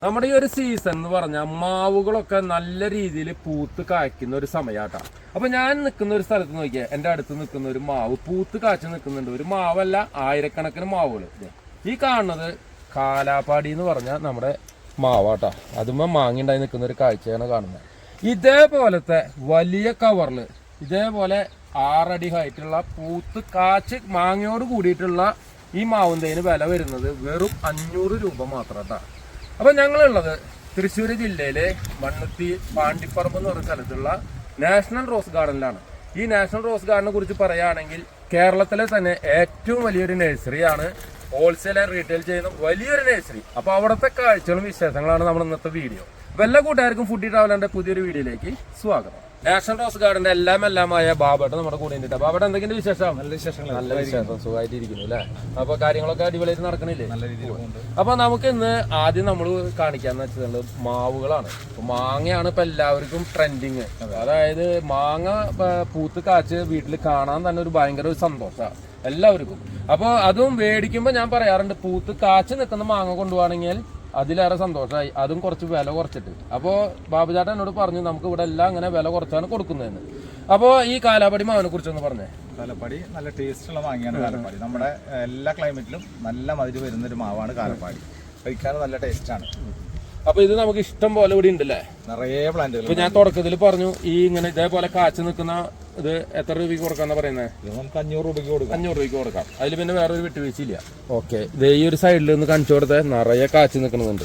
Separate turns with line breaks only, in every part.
നമ്മുടെ ഈ ഒരു സീസൺ എന്ന് പറഞ്ഞാൽ മാവുകളൊക്കെ നല്ല രീതിയിൽ പൂത്ത് കായ്ക്കുന്ന ഒരു സമയമാട്ടാ. അപ്പൊ ഞാൻ നിൽക്കുന്ന ഒരു സ്ഥലത്ത് നോക്കിയാൽ എൻ്റെ അടുത്ത് നിൽക്കുന്ന ഒരു മാവ് പൂത്ത് കാച്ചു നിൽക്കുന്നുണ്ട്. ഒരു മാവല്ല, ആയിരക്കണക്കിന് മാവുകൾ. ഈ കാണുന്നത് കാലാപ്പാടി എന്ന് പറഞ്ഞാൽ നമ്മുടെ മാവാട്ടാ. അതുമ്മ മാങ്ങിണ്ടായി നിൽക്കുന്ന ഒരു കാഴ്ചയാണ് കാണുന്നത്. ഇതേപോലത്തെ വലിയ കവറിൽ ഇതേപോലെ 6 അടി ഹൈറ്റുള്ള പൂത്ത് കാച്ച് മാങ്ങയോട് കൂടിയിട്ടുള്ള ഈ മാവുന്തേന് വില വരുന്നത് വെറും 500 രൂപ മാത്രം കേട്ടോ. അപ്പം ഞങ്ങളുള്ളത് തൃശ്ശൂർ ജില്ലയിലെ മണ്ണുത്തി പാണ്ടിപ്പറമ്പ് എന്ന് പറയുന്ന സ്ഥലത്തുള്ള നാഷണൽ റോസ് ഗാർഡനിലാണ്. ഈ നാഷണൽ റോസ് ഗാർഡനെ കുറിച്ച് പറയുകയാണെങ്കിൽ കേരളത്തിലെ തന്നെ ഏറ്റവും വലിയൊരു നഴ്സറിയാണ്. ഹോൾസെയിൽ ആൻഡ് റീറ്റെയിൽ ചെയ്യുന്ന വലിയൊരു നഴ്സറി. അപ്പോൾ അവിടുത്തെ കാഴ്ചകളും വിശേഷങ്ങളാണ് നമ്മുടെ ഇന്നത്തെ വീഡിയോ. അപ്പോൾ എല്ലാ കൂട്ടുകാർക്കും ഫുഡി ട്രാവലറിന്റെ പുതിയൊരു വീഡിയോയിലേക്ക് സ്വാഗതം. നാഷണൽ റോസ് ഗാർഡന്റെ എല്ലാമായ ബാബേട്ട നമ്മുടെ കൂടെ ഉണ്ട്. ബാബേട്ട എന്തെങ്കിലും വിശേഷം? നല്ല വിശേഷങ്ങൾ. നല്ല വിശേഷം, സുഖമായിട്ടിരിക്കുന്നു അല്ലേ? അപ്പൊ കാര്യങ്ങളൊക്കെ അടിപൊളിയായിട്ട് നടക്കണില്ലേ? നല്ല രീതിയിൽ. അപ്പൊ നമുക്ക് ഇന്ന് ആദ്യം നമ്മൾ കാണിക്കാന്ന് വെച്ചാൽ മാവുകളാണ്. മാങ്ങയാണ് ഇപ്പൊ എല്ലാവർക്കും ട്രെൻഡിങ്. അതായത് മാങ്ങ പൂത്ത് കാച്ച് വീട്ടിൽ കാണാൻ തന്നെ ഒരു ഭയങ്കര ഒരു സന്തോഷമാണ് എല്ലാവർക്കും. അപ്പൊ അതും മേടിക്കുമ്പോ ഞാൻ പറയാറുണ്ട്, പൂത്ത് കാച്ച് നിൽക്കുന്ന മാങ്ങ കൊണ്ടുപോവാണെങ്കിൽ അതിലേറെ സന്തോഷമായി. അതും കുറച്ച് വില കുറച്ചിട്ട്. അപ്പോൾ ബാബുചാട്ടൻ എന്നോട് പറഞ്ഞു നമുക്ക് ഇവിടെ എല്ലാം അങ്ങനെ വില കുറച്ചാണ് കൊടുക്കുന്നതെന്ന്. അപ്പോൾ ഈ കാലാപ്പടി മാവിനെ കുറിച്ചൊന്ന് പറഞ്ഞേ.
കാലപ്പാടി നല്ല ടേസ്റ്റുള്ള മാങ്ങയാണ് കാലപ്പാടി. നമ്മുടെ എല്ലാ ക്ലൈമറ്റിലും നല്ല മധുരം വരുന്നൊരു മാവാണ് കാലപ്പാടി. കഴിക്കാൻ നല്ല ടേസ്റ്റാണ്.
അപ്പൊ ഇത് നമുക്ക് ഇഷ്ടം പോലെ ഇവിടെ ഉണ്ടല്ലേ?
നിറയെ പ്ലാന്റുകൾ.
ഇപ്പൊ ഞാൻ തുടക്കത്തിൽ പറഞ്ഞു ഈ ഇങ്ങനെ ഇതേപോലെ കാച്ചു നിൽക്കുന്ന ഇത് എത്ര രൂപയ്ക്ക് കൊടുക്കാന്നാ പറയുന്നത്?
ഇത് നമുക്ക് 500 രൂപയ്ക്ക് കൊടുക്കാം.
500 രൂപയ്ക്ക് കൊടുക്കാം. അതിൽ പിന്നെ വേറൊരു വിട്ടുവീഴ്ചയില്ല. ഓക്കെ, ഇത് ഈ ഒരു സൈഡിൽ നിന്ന് കാണിച്ചു കൊടുത്തേ നിറയെ കാച്ചു നിൽക്കുന്നുണ്ട്.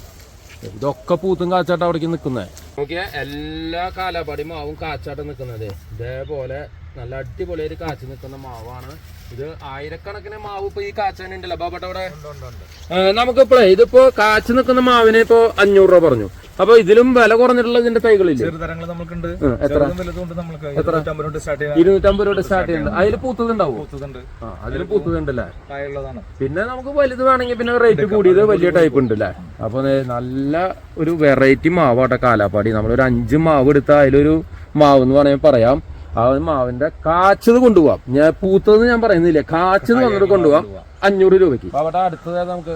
ഇതൊക്കെ പൂത്തും കാച്ചാട്ടം അവിടേക്ക് നിൽക്കുന്നേ. നോക്കിയാ എല്ലാ കാലാപ്പാടി മാവും കാച്ചാട്ടം നിൽക്കുന്നത് ഇതേപോലെ നല്ല അടിപൊളിയായിട്ട് കാച്ചു നിൽക്കുന്ന മാവാണ്. ഇത് ആയിരക്കണക്കിന് മാവ് ഇപ്പൊ ഈ കാച്ചാനുണ്ടല്ലോ ബാബേട്ട അവിടെ. നമുക്കിപ്പോഴേ ഇതിപ്പോ കാച്ചു നിൽക്കുന്ന മാവിന് ഇപ്പൊ 500 രൂപ പറഞ്ഞു. അപ്പൊ ഇതിലും വില കുറഞ്ഞിട്ടുള്ള ഇതിന്റെ തൈകളില്ലേ?
ചെറുതരങ്ങൾ നമുക്കുണ്ട്.
എത്ര? 250 രൂപ സ്റ്റാർട്ട് ചെയ്യുന്നുണ്ട്. അതിൽ പൂത്തതുണ്ടാവും. അതിൽ പൂത്തതുണ്ടല്ലേ? പിന്നെ നമുക്ക് വലുത് വേണമെങ്കിൽ പിന്നെ റേറ്റ് കൂടിയത് വലിയ ടൈപ്പ് ഉണ്ട് അല്ലേ? അപ്പൊ നല്ല ഒരു വെറൈറ്റി മാവാട്ടെ കാലാപ്പാടി. നമ്മളൊരു 5 മാവ് എടുത്താൽ അതിലൊരു മാവ് എന്ന് വേണമെങ്കിൽ പറയാം. ആ മാവിന്റെ കാച്ചത് കൊണ്ടുപോവാം. ഞാൻ പൂത്തത് ഞാൻ പറയുന്നില്ല, കാച്ചത് വന്നിട്ട് കൊണ്ടുപോവാം 500 രൂപയ്ക്ക്. അവിടെ അടുത്തത് നമുക്ക്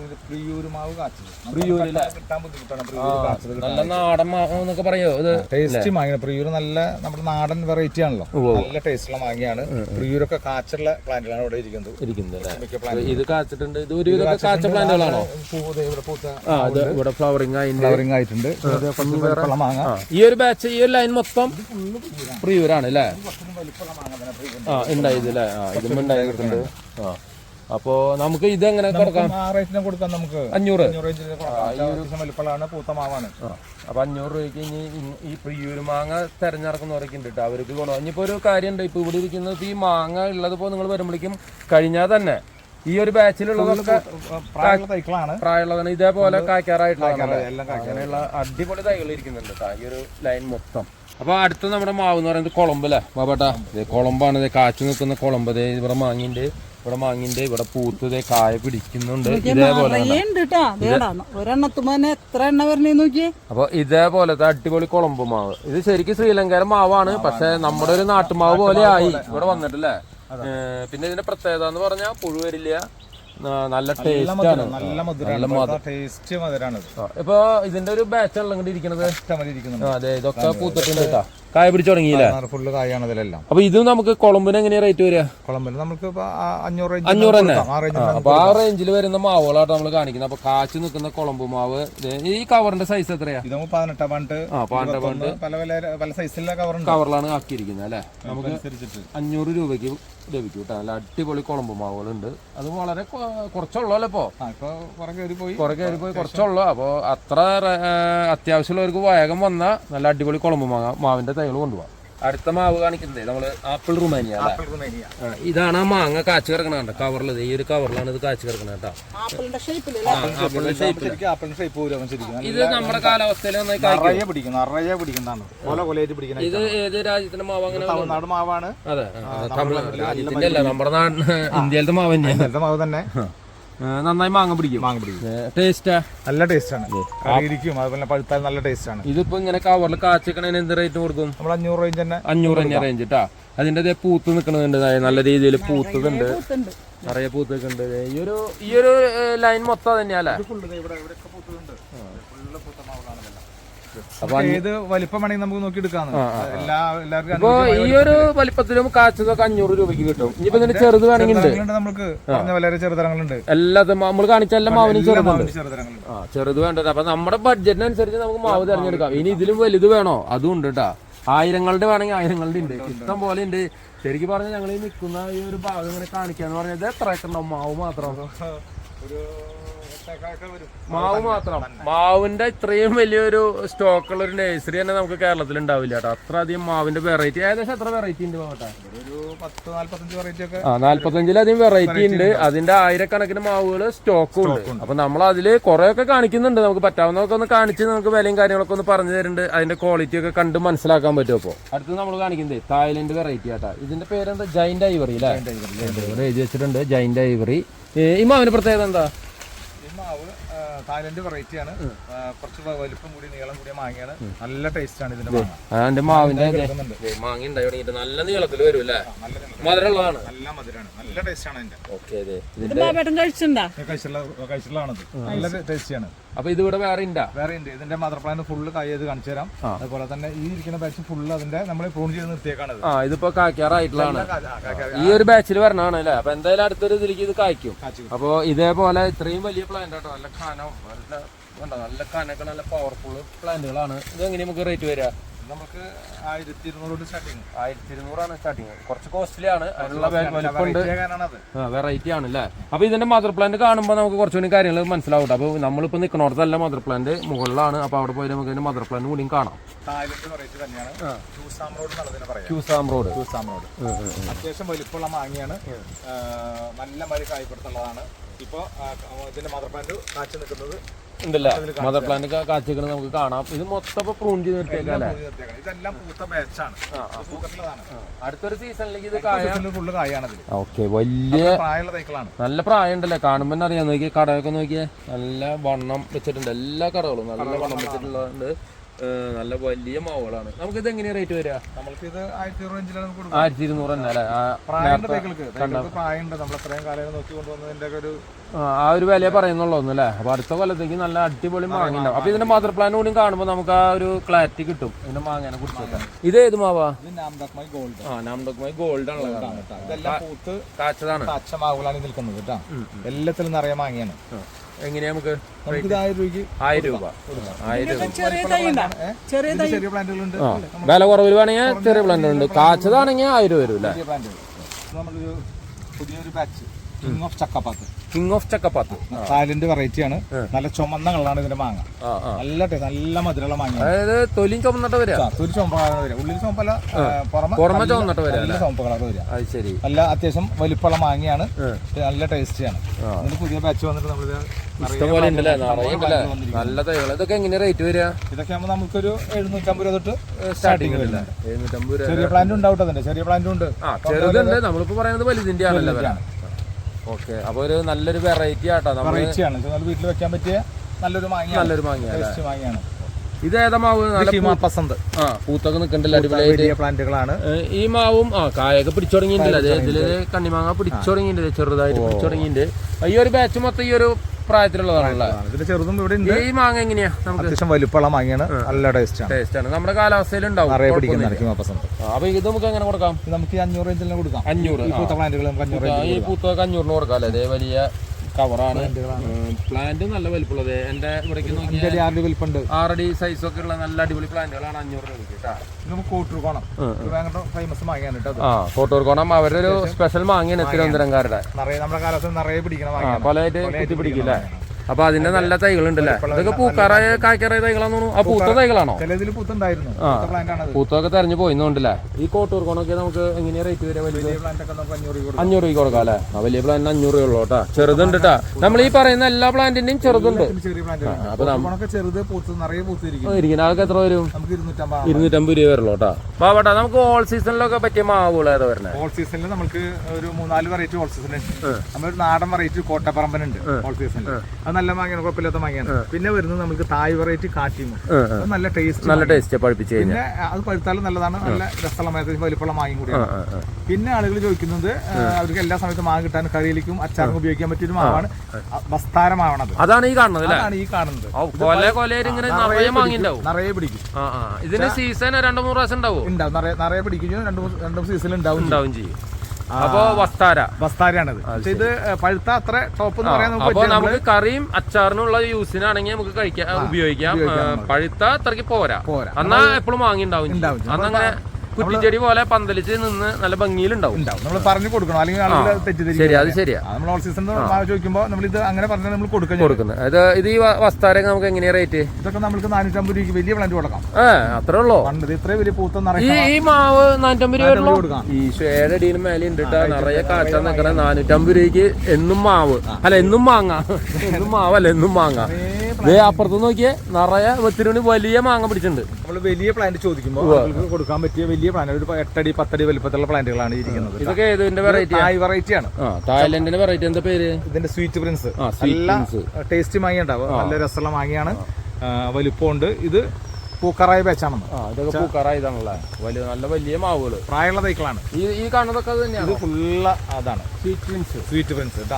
നല്ല നാടൻ മാങ്ങ എന്നൊക്കെ പറയോ? ഇത്
ടേസ്റ്റ് മാങ്ങ. പ്രിയൂർ നല്ല നമ്മുടെ നാടൻ വെറൈറ്റി ആണല്ലോ. നല്ല ടേസ്റ്റുള്ള മാങ്ങയാണ്. പ്രിയൂരൊക്കെ കാച്ചുള്ള പ്ലാന്റുകളാണ് ഇവിടെ ഇരിക്കുന്നത്.
ഇത് കാച്ചിട്ടുണ്ട്. ഇത് ഒരു കാച്ച പ്ലാന്റുകളാണോ? ഇവിടെ ഫ്ലവറിംഗ്
ആയിട്ടുണ്ട്. മാങ്ങ
ഈ ഒരു ബാച്ച്, ഈ ഒരു ലൈൻ മൊത്തം പ്രിയൂരാണ് അല്ലേ? ഉണ്ടായത് അല്ലേ? ഇതും ഉണ്ടായിട്ടുണ്ട്. അപ്പോ നമുക്ക് ഇത് എങ്ങനെ കൊടുക്കാം?
നമുക്ക്
500.
വലിപ്പമാണ്, പൂത്ത മാവാണ്.
അപ്പൊ 500 രൂപയ്ക്ക് ഇനി ഈ പ്രിയൂര് മാങ്ങ തെരഞ്ഞെടുക്കുന്നവരൊക്കെ ഉണ്ട്. അവർക്ക് ഗുണം. ഇനിയിപ്പോ ഒരു കാര്യമുണ്ട്, ഇപ്പൊ ഇവിടെ ഇരിക്കുന്നത് ഈ മാങ്ങ ഉള്ളതിപ്പോ നിങ്ങൾ വരുമ്പോഴേക്കും കഴിഞ്ഞാൽ തന്നെ ഈ ഒരു ബാച്ചിലുള്ളതൊക്കെ പ്രായമുള്ളതാണ്. ഇതേപോലെ കായ്ക്കാറായിട്ടുള്ള അങ്ങനെയുള്ള അടിപൊളി തൈകൾ ഇരിക്കുന്നുണ്ട് ഈ ഒരു ലൈൻ മൊത്തം. അപ്പൊ അടുത്ത നമ്മുടെ മാവ് എന്ന് പറയുന്നത് കുളമ്പ് അല്ലേ ബാബേട്ടാ? കുളമ്പാണ്. കാച്ചു നിൽക്കുന്ന കുളമ്പ്. ഇവിടെ മാങ്ങിന്റെ ഇവിടെ പൂത്തതേ കായ പിടിക്കുന്നുണ്ട്. ഇതേപോലെ അപ്പൊ ഇതേപോലത്തെ അടിപൊളി കുളമ്പ് മാവ്. ഇത് ശരിക്കും ശ്രീലങ്കയിലെ മാവാണ്. പക്ഷെ നമ്മുടെ ഒരു നാട്ടുമാവ് പോലെ ആയി ഇവിടെ വന്നിട്ടല്ലേ. പിന്നെ ഇതിന്റെ പ്രത്യേകത എന്ന് പറഞ്ഞാൽ പുഴു വരില്ല, നല്ല ടേസ്റ്റ് ആണ്, നല്ല
ടേസ്റ്റ് മധുരാണ്.
ഇപ്പൊ ഇതിന്റെ ഒരു ബാച്ച് ഉള്ള ഇരിക്കുന്നത്. അതെ, ഇതൊക്കെ പൂത്തിട്ടുണ്ട് കേട്ടോ. കായ പിടിച്ചു തുടങ്ങിയില്ലേ?
ഫുള്ള് കായാണ് ഇതിലെല്ലാം.
അപ്പൊ ഇത് നമുക്ക് കുളമ്പിന് എങ്ങനെയാ റേറ്റ് വരിക?
കുളമ്പിന് നമുക്ക്
500 തന്നെ. അപ്പൊ ആ റേഞ്ചിൽ വരുന്ന മാവുകളായിട്ട് നമ്മൾ കാണിക്കുന്നത്. അപ്പൊ കാച്ചു നിൽക്കുന്ന കുളമ്പ് മാവ്. ഈ കവറിന്റെ സൈസ് എത്രയാ?
18 പല സൈസിലുള്ള
കവറിലാണ് ആക്കിയിരിക്കുന്നത് അല്ലെ? നമുക്ക് 500 രൂപയ്ക്ക് ലഭിക്കും കേട്ടോ. നല്ല അടിപൊളി കുളമ്പ് മാവുകളുണ്ട്. അത് വളരെ കുറച്ചുള്ളൂ അല്ലേ? ഇപ്പൊ കുറെ കയറി പോയി കുറച്ചുള്ളൂ. അപ്പൊ അത്ര അത്യാവശ്യമുള്ളവർക്ക് വേഗം വന്ന നല്ല അടിപൊളി കുളമ്പ് മാവിന്റെ തൈകൾ കൊണ്ടുപോകാം. അടുത്ത മാവ് കാണിക്കുന്നത് നമ്മള് ആപ്പിൾ റുമാനിയ. ഇതാണ് ആ മാങ്ങ കാച്ചു കിടക്കണ കവറിൽ. ഈ ഒരു കവറിലാണ് ഇത് കാച്ചു കിടക്കണ കേട്ടോ. ഇത് നമ്മുടെ കാലാവസ്ഥയിൽ ഇത് ഏത് രാജ്യത്തിന്റെ മാവ്? അങ്ങനെ
തമിഴ്നാട് മാവാണ്.
അതെ, രാജ്യത്തിന്റെ അല്ല, നമ്മുടെ നാടിന് ഇന്ത്യയിലത്തെ മാവ് തന്നെയാണ്.
മാവ് തന്നെ
നന്നായി മാങ്ങ പിടിക്കും. ടേസ്റ്റാ?
നല്ല ടേസ്റ്റ് ആണ്. അതുപോലെ പഴുത്താൽ നല്ല ടേസ്റ്റ് ആണ്.
ഇതിപ്പോ ഇങ്ങനെ കവറിൽ കാച്ചിക്കണേന് എന്ത് റേറ്റ് കൊടുക്കും?
നമ്മൾ 500 റേഞ്ച് തന്നെ.
500 തന്നെ റേഞ്ച് കേട്ടാ. അതിന്റെ പൂത്ത് നിൽക്കുന്നുണ്ട്, നല്ല രീതിയിൽ പൂത്തതുണ്ട്, നിറയെ പൂത്ത് നിൽക്കുന്നുണ്ട്. ഈ ഒരു ലൈൻ മൊത്തം തന്നെയല്ലേ?
ഫുള്ള് പൂത്ത മാവുകളാണ് ഇതെല്ലാം. അപ്പൊ ഏത് വലിപ്പം വേണമെങ്കിൽ നമുക്ക് നോക്കി എടുക്കാം. എല്ലാവർക്കും
ഇപ്പൊ ഈ ഒരു വലിപ്പത്തിലും കാച്ചതൊക്കെ 500 രൂപയ്ക്ക് കിട്ടും. ഇനിയിപ്പോ ഇതിന്റെ ചെറുത് വേണമെങ്കിൽ
നമുക്ക് വളരെ ചെറുതരങ്ങളുണ്ട്.
എല്ലാതും നമ്മൾ കാണിച്ച എല്ലാ മാവിനും ചെറുതുണ്ട്.
ചെറുതരങ്ങളുണ്ട്.
ചെറുത് വേണ്ടത്. അപ്പൊ നമ്മുടെ ബഡ്ജറ്റിനനുസരിച്ച് നമുക്ക് മാവ് തിരഞ്ഞെടുക്കാം. ഇനി ഇതിലും വലുത് വേണോ അതും ഉണ്ട് കേട്ടാ. 1000ങ്ങളുടെ വേണമെങ്കിൽ 1000ങ്ങളുടെ ഉണ്ട്, ഇഷ്ടം പോലെ ഉണ്ട്. ശരിക്കും പറഞ്ഞാൽ ഞങ്ങൾ ഈ നിൽക്കുന്ന ഈ ഒരു ഭാഗം ഇങ്ങനെ കാണിക്കാന്ന് പറഞ്ഞത് എത്ര ഏക്കർ ഉണ്ടാവും? മാവ് മാത്രം മാവ് മാത്രം. മാവിന്റെ ഇത്രയും വലിയൊരു സ്റ്റോക്കുള്ള ഒരു നഴ്സറി തന്നെ നമുക്ക് കേരളത്തിൽ ഉണ്ടാവില്ല കേട്ടോ. അത്ര അധികം മാവിന്റെ വെറൈറ്റി. ഏകദേശം എത്ര വെറൈറ്റി ഉണ്ട് പോകട്ടെ? 45ലധികം വെറൈറ്റി ഉണ്ട്. അതിന്റെ 1000കണക്കിന് മാവുകൾ സ്റ്റോക്കും ഉണ്ട്. അപ്പൊ നമ്മൾ അതില് കുറെ ഒക്കെ കാണിക്കുന്നുണ്ട്. നമുക്ക് പറ്റാവുന്നതൊക്കെ ഒന്ന് കാണിച്ച് നമുക്ക് വിലയും കാര്യങ്ങളൊക്കെ ഒന്ന് പറഞ്ഞു തരുന്നുണ്ട്. അതിന്റെ ക്വാളിറ്റി ഒക്കെ കണ്ട് മനസ്സിലാക്കാൻ പറ്റും. അപ്പോൾ അടുത്ത് നമ്മൾ കാണിക്കുന്നത് തായ്ലൻഡ് വെറൈറ്റി ആട്ടാ. ഇതിന്റെ പേരെന്താ? ജൈന്റ് ഐവറി അല്ലേ? എഴുതി വെച്ചിട്ടുണ്ട് ജൈന്റ് ഐവറി. ഈ മാവിന്റെ പ്രത്യേകത എന്താ?
തായ്ലൻഡ് വെറൈറ്റി ആണ്. കുറച്ച് വലിപ്പം കൂടി നീളം കൂടിയ മാങ്ങയാണ്. നല്ല ടേസ്റ്റ് ആണ് ഇതിന്റെ
മാവിന്റെ മാങ്ങ ഉണ്ടായി നല്ല നീളത്തിൽ വരും അല്ലേ? മധുരമുള്ളതാണ്.
നല്ല മധുരമാണ്. നല്ല ടേസ്റ്റ് ആണ് ഇതിന്റെ. കഴിച്ചിട്ടുള്ളതാണത്. നല്ല ടേസ്റ്റിയാണ്.
അപ്പൊ ഇത് ഇവിടെ വേറെ ഉണ്ട്.
ഇതിന്റെ മദർ പ്ലാന്റ് ഫുള്ള് കായത് കാണിച്ചു തരാം. അതുപോലെ തന്നെ ഈ ഇരിക്കുന്ന ബാച്ച് ഫുള്ള് അതിന്റെ നമ്മൾ പ്രൂൺ ചെയ്ത് നിർത്തിയേക്കാണ്.
ഇതിപ്പോ കായ്ക്കാറായിട്ടുള്ളതാണ്. ഈ ഒരു ബാച്ചിൽ വരണതാണ് അല്ലേ? അപ്പൊ എന്തായാലും അടുത്തൊരു ഇതിലേക്ക് ഇത് കായ്ക്കും. അപ്പൊ ഇതേപോലെ ഇത്രയും വലിയ പ്ലാന്റ് ആട്ടോ. നല്ല കനം, നല്ല കനൊക്കെ നല്ല പവർഫുൾ പ്ലാന്റുകളാണ്. ഇത് എങ്ങനെ നമുക്ക് റേറ്റ് വരിക?
നമുക്ക് 1200 സ്റ്റാർട്ടിങ്.
1200 സ്റ്റാർട്ടിങ്. കുറച്ച് കോസ്റ്റ്ലി ആണ്. അതിനുള്ള വലിപ്പമുണ്ട്, വെറൈറ്റി ആണ് അല്ലേ? അപ്പൊ ഇതിന്റെ മദർ പ്ലാന്റ് കാണുമ്പോൾ നമുക്ക് കുറച്ചുകൂടി കാര്യങ്ങൾ മനസ്സിലാവും. അപ്പൊ നമ്മളിപ്പോ നിൽക്കണോടത്തല്ല മദർ പ്ലാന്റ്, മുകളിലാണ്. അപ്പൊ അവിടെ പോയി നമുക്ക് ഇതിന്റെ മദർ പ്ലാന്റ് കൂടിയും കാണാം.
അത്യാവശ്യം വലിപ്പമുള്ള മാങ്ങയാണ്. നല്ല മരി കായ്പെടുത്തുള്ളതാണ്. ഇപ്പൊ ഇതിന്റെ മദർ പ്ലാന്റ് കാച്ചു നിൽക്കുന്നത്
ഉണ്ടല്ലേ? മദർ പ്ലാന്റ് കാച്ചിക്കുന്നത് നമുക്ക് കാണാം. ഇത് മൊത്തം പ്രൂൺ ചെയ്ത് നിർത്തിയേക്കല്ലേ?
ഇതെല്ലാം പൂത്ത ബാച്ചാണ്.
അടുത്തൊരു സീസണിലേക്ക് ഇത്
ഫുള്ള് കായാണ്.
ഓക്കെ, വലിയ
പ്രായമുള്ള തൈക്കളാണ്.
നല്ല പ്രായം ഉണ്ടല്ലേ? കാണുമ്പോൾ തന്നെ അറിയാം. നോക്കിയാൽ കടയൊക്കെ നോക്കിയാൽ നല്ല വണ്ണം വെച്ചിട്ടുണ്ട്. എല്ലാ കടകളും നല്ല വണ്ണം വെച്ചിട്ടുള്ളതുണ്ട്. നല്ല വലിയ മാവുകളാണ്. നമുക്ക് ഇത് എങ്ങനെയാ റേറ്റ് വരിക?
നമുക്ക് ഇത് 1200
തന്നെ അല്ലേ? ആ ഒരു വില പറയുന്നുള്ളൂ അല്ലേ? അപ്പൊ അടുത്ത കൊല്ലത്തേക്ക് നല്ല അടിപൊളി മാങ്ങ ഉണ്ടാവും. അപ്പൊ ഇതിന്റെ മദർ പ്ലാൻ കൂടി കാണുമ്പോൾ നമുക്ക് ആ ഒരു ക്ലാരിറ്റി കിട്ടും ഇതിന്റെ മാങ്ങനെ കുറിച്ചൊക്കെ. ഇത് ഏത് മാവാ? നാംഡോക്മായി ഗോൾഡ് ആണല്ലോ. കാച്ചതാണ്.
എല്ലാത്തിലും നിറയെ മാങ്ങയാണ്.
എങ്ങനെയാ നമുക്ക്?
1000 രൂപയ്ക്ക്
1000 രൂപ. 1000
ചെറിയ പ്ലാന്റുകളുണ്ട്.
വില കുറവിൽ വേണമെങ്കിൽ ചെറിയ പ്ലാന്റ് ഉണ്ട്. കാച്ചതാണെങ്കിൽ 1000 വരും അല്ലേ?
നമ്മളൊരു പുതിയൊരു ബാച്ച് കിങ്
ഓഫ് ചക്കപ്പാത്ത്
തായ്ലൻഡ് വെറൈറ്റി ആണ്. നല്ല ചുമന്ന കളറാണ് ഇതിന്റെ മാങ്ങ. നല്ല ടേസ്റ്റ്, നല്ല മധുരമുള്ള മാങ്ങ.
അതായത് തൊലിയും ചുമന്നിട്ട് വരിക.
തൊലി ചുമപ്പ് കളർ വരിക. ഉള്ളിൽ ചുമപ്പല്ല,
പുറമെ ചുമന്നിട്ട് വരിക.
നല്ല ചുമപ്പ് കളർ വരിക.
അത് ശരി.
നല്ല അത്യാവശ്യം വലിപ്പമുള്ള മാങ്ങയാണ്. നല്ല ടേസ്റ്റിയാണ്. ഇതിന് പുതിയ ബാച്ച് വന്നിട്ട് നമ്മളിത്
ഇഷ്ടംപോലെ ഉണ്ടല്ലേ? നല്ല തൈകൾ. ഇതൊക്കെ എങ്ങനെ റേറ്റ് വരിക?
ഇതൊക്കെ ആകുമ്പോൾ നമുക്കൊരു 750 രൂപ തൊട്ട് സ്റ്റാർട്ടിംഗ് വരില്ല. 750 രൂപ. ചെറിയ പ്ലാന്റ് ഉണ്ടാവും. അതിന്റെ ചെറിയ പ്ലാന്റും ഉണ്ട്,
ചെറുതുണ്ട്. നമ്മളിപ്പോ പറയുന്നത് വലുതിന്റെ ആണല്ലോ. ഓക്കെ, അപ്പൊ ഒരു നല്ലൊരു വെറൈറ്റി ആട്ടോ.
വീട്ടിൽ വെക്കാൻ പറ്റിയ നല്ലൊരു മാങ്ങയാണ്.
ഇത് ഏതാ മാവ്? പൂത്തൊക്കെ നിൽക്കണ്ടല്ലോ, അടിപൊളിയായിട്ട്
പ്ലാന്റുകളാണ്.
ഈ മാവും കായൊക്കെ പിടിച്ചു തുടങ്ങിയിട്ടില്ല. ഇതില് കണ്ണിമാങ്ങ പിടിച്ചു തുടങ്ങിയിട്ടുണ്ട്, ചെറുതായിട്ട് പിടിച്ചു തുടങ്ങിയിട്ടുണ്ട്. ഈ ഒരു ബാച്ച് മൊത്തം ഈ ഒരു പ്രായത്തിലുള്ളതാണല്ലോ.
ചെറുതും ഇവിടെ ഉണ്ട്.
ഈ മാങ്ങ എങ്ങനെയാ? നമുക്ക്
അത്യാവശ്യം വലിപ്പമുള്ള മാങ്ങയാണ്. നല്ല ടേസ്റ്റ് ആണ്. നമ്മുടെ
കാലാവസ്ഥയിൽ ഉണ്ടാവും. അപ്പൊ ഇത് നമുക്ക് എങ്ങനെ കൊടുക്കാം?
നമുക്ക് 500 റേഞ്ചിൽ കൊടുക്കാം.
500 ഈ പൂത്തൊക്കെ 500 കൊടുക്കാം അല്ലേ? അതേ വലിയ കവറാണ്. പ്ലാന്റ് നല്ല വലിപ്പമുള്ളത്. എന്റെ ഇവിടേക്ക് 6 അടി സൈസൊക്കെ ഉള്ള നല്ല അടിപൊളി പ്ലാന്റുകളാണ് 500 രൂപ. കോട്ടൂർക്കോണം അവരുടെ ഒരു സ്പെഷ്യൽ മാങ്ങയാണ് തിരുവനന്തപുരംകാരുടെ.
നമ്മുടെ കാലത്ത് നിറയെ പിടിക്കണം,
കൊലയായിട്ട് കുത്തി പിടിക്കില്ലേ? അപ്പൊ അതിന്റെ നല്ല തൈകൾ ഉണ്ടല്ലേ? ഇതൊക്കെ പൂക്കാറായ കായ്ക്കാറായ തൈകളാന്ന് തോന്നുന്നു. ആ പൂത്ത തൈകളാണോ? പൂത്തൊക്കെ തെരഞ്ഞു പോയിന്നുണ്ടല്ലേ? ഈ കോട്ടൂർക്കോണൊക്കെ നമുക്ക് എങ്ങനെയാ റേറ്റ് വരിക? 500 രൂപ കൊടുക്കാം അല്ലേ? ആ വലിയ പ്ലാന്റിന് 500 രൂപ ഉള്ളൂ കേട്ടാ. ചെറുതുണ്ട് കേട്ടാ. നമ്മൾ ഈ പറയുന്ന എല്ലാ പ്ലാന്റിന്റെയും ചെറുതുണ്ട്. അപ്പൊ ഇരിക്കുന്ന ആൾക്ക് എത്ര വരും? 250 രൂപ വരുള്ളൂ കേട്ടാ. പാവട്ടാ, നമുക്ക് ഓൾ സീസണിലൊക്കെ പറ്റിയ മാവുകൾ ഏതാ വരുന്നത്?
ഓൾ സീസണിൽ നമുക്ക് ഒരു 3-4 വെറൈറ്റി ഓൾ സീസൺ ഉണ്ട്. നമ്മളൊരു നാടൻ വെറൈറ്റി കോട്ടപ്പറമ്പനുണ്ട് ഓൾ സീസണിൽ. അത് നല്ല മാങ്ങയാണ്, കുഴപ്പമില്ലാത്ത മാങ്ങയാണ്. പിന്നെ വരുന്നത് നമുക്ക് തായ് വെറൈറ്റി കാട്ടിമോ, നല്ല ടേസ്റ്റ്,
നല്ല ടേസ്റ്റ് പഴുപ്പിച്ച് കഴിഞ്ഞാൽ.
പിന്നെ അത് പഴുത്താലും നല്ലതാണ്, നല്ല രസമുള്ള വലിപ്പമുള്ള മാങ്ങയും കൂടിയാണ്. പിന്നെ ആളുകൾ ചോദിക്കുന്നത് അവർക്ക് എല്ലാ സമയത്തും മാങ്ങ കിട്ടാൻ കറിയിലേക്കും അച്ചാറും ഉപയോഗിക്കാൻ പറ്റിയൊരു മാവാണ് ബസ്താരമാവണത്.
അതാണ് ഈ കാണുന്നത്.
അതാണ് ഈ കാണുന്നത്. നിറയെ പിടിക്കും.
ഇതിന്റെ സീസൺ 2-3 പ്രാവശ്യം ഉണ്ടാവും.
നിറയെ പിടിക്കും, രണ്ടു സീസണിൽ ഉണ്ടാവും ചെയ്യും.
അപ്പൊ
ബസ്താരയാണത്. ഇത് പഴുത്ത അത്ര ടോപ്പ് എന്ന് പറയാൻ
നമുക്ക് കറിയും അച്ചാറിനുള്ള യൂസിനാണെങ്കിൽ നമുക്ക് കഴിക്കാം, ഉപയോഗിക്കാം. പഴുത്ത അത്രയ്ക്ക് പോരാ, എന്നാ എപ്പോഴും വാങ്ങി ഉണ്ടാവും. അന്നങ്ങനെ കുറ്റിച്ചെടി പോലെ പന്തലിച്ച് നിന്ന് നല്ല ഭംഗിയിലുണ്ടാവും.
നമ്മൾ പറഞ്ഞു കൊടുക്കണം, അല്ലെങ്കിൽ ആളുകൾ തെറ്റിദ്ധരിക്കും.
ശരി, അത് ശരിയാ.
നമ്മൾ ഓൾ സീസൺ ചോദിക്കുമ്പോൾ നമ്മൾ ഇത് അങ്ങനെ പറഞ്ഞാൽ നമ്മൾ
കൊടുക്കുന്നത്. ഇത് ഈ വസ്താരൊക്കെ നമുക്ക് എങ്ങനെയാ റേറ്റ്?
ഇതൊക്കെ നമുക്ക് 450 രൂപയ്ക്ക് വലിയ പ്ലാന്റ് കൊടുക്കാം.
അത്രേ ഉള്ളൂ.
ഇത്രയും വലിയ പൂത്ത
ഈ മാവ് 450 രൂപ കൊടുക്കാം. ഈ 7 അടിയിൽ മേലെ ഉണ്ട് കേട്ടോ, നിറയെ കാച്ചാൻ നിൽക്കണ 450 രൂപയ്ക്ക് എന്നും മാവ് അല്ല, എന്നും മാങ്ങ. എന്നും മാവല്ല, എന്നും മാങ്ങ. അപ്പുറത്ത് നോക്കിയേ, നിറയെ ഒത്തിരി വലിയ മാങ്ങ പിടിച്ചിട്ടുണ്ട്.
നമ്മൾ വലിയ പ്ലാന്റ് ചോദിക്കുമ്പോൾ കൊടുക്കാൻ പറ്റിയ വലിയ പ്ലാന്റ്, ഒരു 8 അടി 10 അടി വലിപ്പത്തിലുള്ള പ്ലാന്റുകളാണ് ഇരിക്കുന്നത്.
ഇതൊക്കെ ഏതിന്റെ വെറൈറ്റി?
തായ് വെറൈറ്റി ആണ്.
തായ്ലൻഡിന്റെ വെറൈറ്റി. എന്താ പേര്?
ഇതിന്റെ സ്വീറ്റ് പ്രിൻസ്. നല്ല ടേസ്റ്റി മാങ്ങ ഉണ്ടാവും, നല്ല രസമുള്ള മാങ്ങയാണ്, വലിപ്പമുണ്ട്. ഇത് പൂക്കറായ ബാച്ചാണെന്ന്.
ഇതൊക്കെ പൂക്കറായ ഇതാണല്ലേ, നല്ല വലിയ മാവുകള്,
പ്രായമുള്ള തൈക്കളാണ്.
ഈ കാണുന്നതൊക്കെ തന്നെയാണ്.
ഇത് ഫുള്ള അതാണ് സ്വീറ്റ് പ്രിൻസ് കേട്ടോ.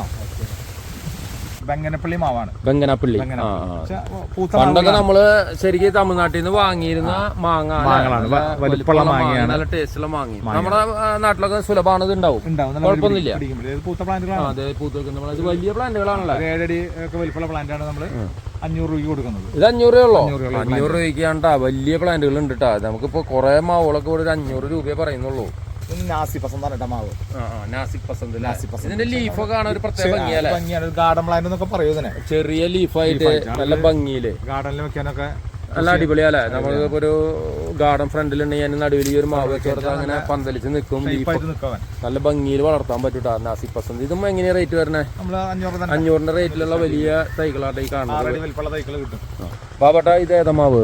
ബംഗനപ്പള്ളി മാവാണ്.
ബംഗനപ്പള്ളി. പണ്ടൊക്കെ നമ്മള് ശരിക്കും തമിഴ്നാട്ടിൽ നിന്ന് വാങ്ങിയിരുന്ന മാങ്ങകളാണ്, വലിപ്പമുള്ള മാങ്ങയാണ്, നല്ല ടേസ്റ്റുള്ള മാങ്ങ. നമ്മുടെ നാട്ടിലൊക്കെ സുലഭമാണ്, ഇത് ഉണ്ടാവും, കുഴപ്പമൊന്നുമില്ല.
പൂത്ത പ്ലാന്റുകളാണ്.
അതെ, പൂത്ത വലിയ പ്ലാന്റുകളാണല്ലോ.
7 അടി ഒക്കെ വലിപ്പമുള്ള പ്ലാന്റാണ് നമ്മള് 500 രൂപയ്ക്ക് കൊടുക്കുന്നത്.
ഇത് 500 രൂപയുള്ളൂ. 500 രൂപയ്ക്കാണ്ടാ വലിയ പ്ലാന്റുകൾ ഉണ്ട് കേട്ടോ. നമുക്കിപ്പോ കുറെ മാവുകളൊക്കെ ഒരു 500 രൂപയെ പറയുന്നുള്ളൂ.
നാസിക് പസന്താണ് മാവ്.
ഇതിന്റെ ലീഫൊക്കെ കാണാൻ ഒരു പ്രത്യേക ഭംഗിയാണ്.
ഗാർഡൻ പ്ലാന്റ് എന്നൊക്കെ പറയുന്നതിനെ,
ചെറിയ ലീഫായിട്ട് നല്ല ഭംഗിയില്
ഗാർഡനിൽ വെക്കാനൊക്കെ
നല്ല അടിപൊളിയല്ലേ. നമ്മളിപ്പോ ഒരു ഗാർഡൻ ഫ്രണ്ടിലുണ്ടെങ്കിൽ അതിന് നടുവിൽ ഒരു മാവ് വെച്ച് കൊടുത്താൽ അങ്ങനെ പന്തലിച്ച് നിൽക്കും, നല്ല ഭംഗിയിൽ വളർത്താൻ പറ്റൂട്ടാ നാസിക് പസന്ത്. ഇതും എങ്ങനെയാ റേറ്റ് വരണേ? 500ന്റെ റേറ്റിലുള്ള വലിയ തൈകളായിട്ട് ഈ കാണുന്നത്. ബാബട്ടാ, ഇത് ഏതാ മാവ്?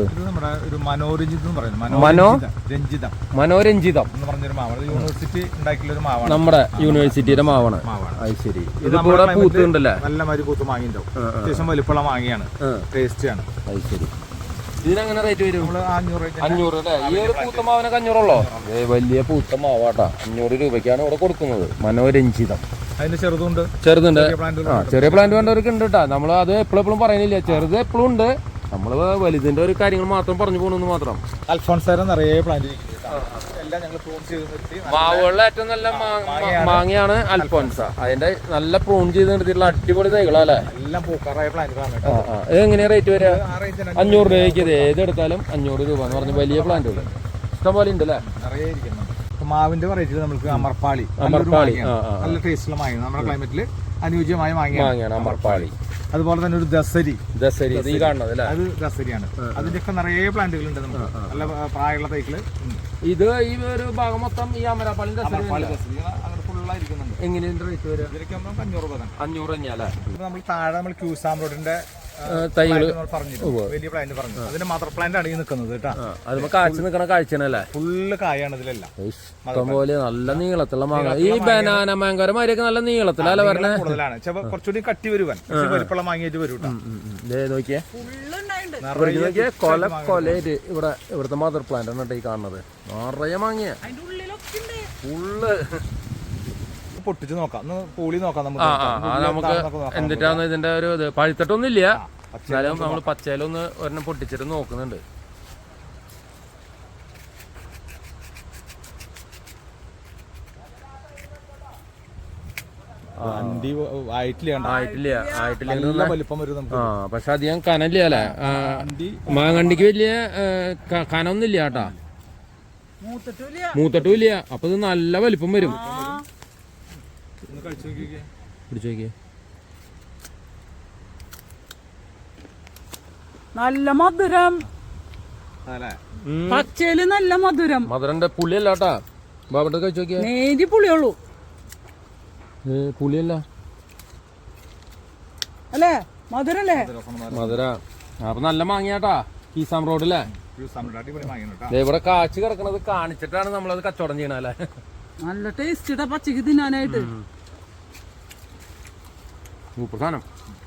മനോരഞ്ജിതം
യൂണിവേഴ്സിറ്റി ഉണ്ടാക്കിയുള്ള ഒരു മാവാണ്,
നമ്മുടെ യൂണിവേഴ്സിറ്റിയുടെ മാവാണ്. അത് ശരി. ഇത് കൂടെ പൂത്തുണ്ടല്ലേ?
നല്ല മാതിരി പൂത്ത് മാങ്ങിണ്ടാവും, അത്യാവശ്യം വലിപ്പമുള്ള മാങ്ങയാണ്, ടേസ്റ്റി ആണ്.
അത് ശരി. ഇതിനെങ്ങനെ റേറ്റ് വരും? 500 അല്ലേ? ഈ ഒരു പൂത്ത മാവിനൊക്കെ 500 ഉള്ളോ? വലിയ പൂത്ത മാവാട്ടാ, 500 രൂപയ്ക്കാണ് ഇവിടെ കൊടുക്കുന്നത്. മനോരഞ്ജിതം.
അതിന്റെ ചെറുതുണ്ട്.
ചെറിയ പ്ലാന്റ് വേണ്ടവർക്ക് ഉണ്ട് കേട്ടാ. നമ്മൾ അത് എപ്പോഴും പറയുന്നില്ല, ചെറുത് എപ്പോഴും ഉണ്ട്. നമ്മള് വലുതിന്റെ ഒരു കാര്യങ്ങൾ മാത്രം പറഞ്ഞു പോകണമെന്ന് മാത്രം.
അൽഫോൺസാര നിറയെ പ്ലാന്റ്,
മാവുകളിലെ ഏറ്റവും നല്ല മാങ്ങയാണ് അൽഫോൻസ. അതിന്റെ നല്ല പ്രൂൺ ചെയ്ത് നിർത്തിയിട്ടുള്ള അടിപൊളി തൈകളല്ലേ.
എല്ലാം പൂക്കാറായ പ്ലാന്റുകളാണ്.
ഇത് എങ്ങനെയാ റേറ്റ് വരിക? 500 രൂപയ്ക്ക്. ഏതെടുത്താലും 500 രൂപ എന്ന് പറഞ്ഞ വലിയ പ്ലാന്റുകൾ ഇഷ്ടം പോലെ ഉണ്ട് അല്ലേ?
നിറയെ ഇരിക്കുന്നു. മാവിന്റെ വെറൈറ്റി നമുക്ക് അമർപ്പാളി, നല്ല ടേസ്റ്റുള്ള മാങ്ങ, നമ്മുടെ ക്ലൈമറ്റില് അനുയോജ്യമായ മാങ്ങയാണ് അമർപ്പാളി. അതുപോലെ തന്നെ ഒരു ദസരി
കാണുന്നത്,
അത് ദസരിയാണ്. അതിന്റെയൊക്കെ നിറയെ പ്ലാന്റുകൾ ഉണ്ട് നമുക്ക്, നല്ല പ്രായമുള്ള തൈകള്.
ഇത് ഈ ഒരു ഭാഗം മൊത്തം ഈ അമരപ്പാളിന്റെ
എങ്ങനെയുണ്ട് റേറ്റ് വരിക? ഇതിലേക്ക് 500 രൂപ.
500 തന്നെയല്ലേ?
നമ്മൾ താഴെ നമ്മൾ ക്യൂസാം റോഡിന്റെ
തൈകള്
വലിയ പ്ലാന്റ് പറഞ്ഞു, അതിന്റെ മദർ പ്ലാന്റ് ആണ് ഈ നിൽക്കുന്നത് കേട്ടോ.
അത് കാഴ്ച നിൽക്കണ കാഴ്ചയാണല്ലേ?
ഫുള്ള് കായാണ് ഇതിലെല്ലാം.
ഇഷ്ടംപോലെ നല്ല നീളത്തുള്ള മാങ്ങ. ഈ ബനാന മാങ്കോര മാതിരിയൊക്കെ നല്ല നീളത്തിലല്ലേ പറഞ്ഞത്?
കൂടുതലാണ്, കുറച്ചുകൂടി കട്ടി വരുവാൻ വലിപ്പമുള്ള മാങ്ങയായിട്ട് വരും.
നോക്കിയേ, കൊലയിട്ട് ഇവിടുത്തെ മദർ പ്ലാന്റ് ആണ് ഈ കാണുന്നത്. നിറയെ മാങ്ങിയ ഫുള്ള്
പൊട്ടിച്ച് നോക്കാം, പൂളി നോക്കാം
നമുക്ക്. എന്നിട്ടാണ് ഇതിന്റെ ഒരു ഇത് പഴുത്തിട്ടൊന്നുമില്ല, എന്നാലും നമ്മൾ പച്ചയിലൊന്ന് ഒരെണ്ണം പൊട്ടിച്ചിട്ട് നോക്കുന്നുണ്ട്. പക്ഷെ അധികം കനല്ല അല്ലേ? മാങ്ങണ്ടിക്ക് വലിയ കനൊന്നുമില്ല കേട്ടാ, മൂത്തട്ടുമില്ല. അപ്പൊ ഇത് നല്ല വലിപ്പം വരും. പിടിച്ചു
നല്ല മധുരം, പച്ചയില് നല്ല മധുരം.
മധുരന്റെ പുളിയല്ല കേട്ടാ. ബാബട്ട് കഴിച്ചു നോക്കിയാ
നേരി പുളിയുള്ളൂ,
പുളിയല്ല
അല്ലേ? മധുരല്ലേ?
മധുര. അപ്പൊ നല്ല മാങ്ങിയാട്ടാ കീസാം റോഡിലെ. ഇവിടെ കാച്ചു കിടക്കണത് കാണിച്ചിട്ടാണ് നമ്മളത് കച്ചവടം ചെയ്യണല്ലേ.
നല്ല ടേസ്റ്റ് പച്ചക്ക് തിന്നാനായിട്ട്.
സൂപ്പർ സാധനം.